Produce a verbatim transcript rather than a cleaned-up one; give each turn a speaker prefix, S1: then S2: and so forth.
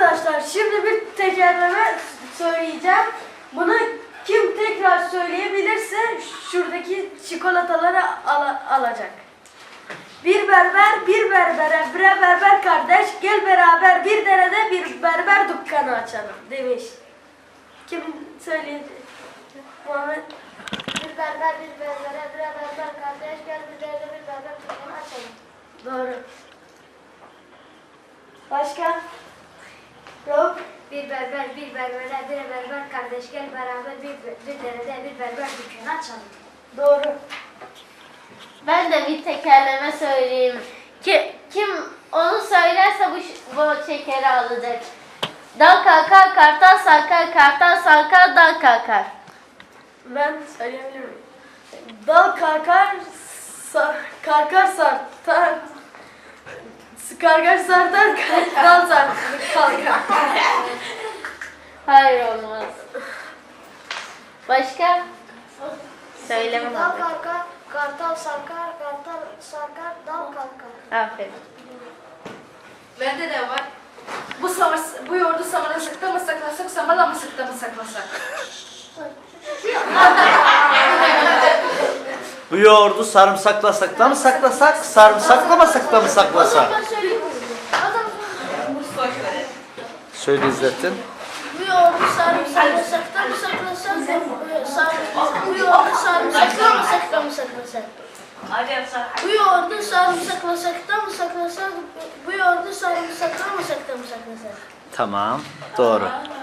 S1: Arkadaşlar şimdi bir tekerleme söyleyeceğim. Bunu kim tekrar söyleyebilirse şuradaki çikolataları al alacak. Bir berber bir berbere bre berber kardeş gel beraber bir derede bir berber dükkanı açalım demiş. Kim söyledi? Muhammed.
S2: Bir berber bir berbere bre berber kardeş gel bir derede bir berber dükkanı açalım.
S1: Doğru. Başka? Yok.
S2: Bir berber bir berbere bir berber kardeş gel beraber bir, bir derede bir berber dükkanı açalım.
S1: Doğru.
S3: Ben de bir tekerleme söyleyeyim. Ki, kim onu söylerse bu, bu şekeri alacak. Dal kalkar, kartal sarkar, kartal sarkar, dal kalkar.
S1: Ben söyleyebilir miyim? Dal karkar, sar, karkar sartar. Karkar sartar, dal sartar. Kalkar.
S3: Hayır olmaz. Başka? Söylemem
S2: Dal
S3: abi.
S2: kalkar, kartal sarkar, kartal sarkar, dal kalkar.
S3: Aferin.
S4: Bende de var. Bu, samar, bu yoğurdu samırlasakta mı saklasak, samarlamasakta mı saklasak?
S5: Bu yoğurdu sarımsaklasak da mı saklasak, sarımsaklamasak da mı saklasak? Söyle İzzettin.
S2: Bu yoğurdu sarımsaklasakta mı saklasak, bu yoğurdu sarımsaklasakta mı saklasak? Bu yoğurdu sarımsaklasakta mı saklasak, bu yoğurdu sarımsaklamasak da mı saklasak?
S5: Tamam, doğru.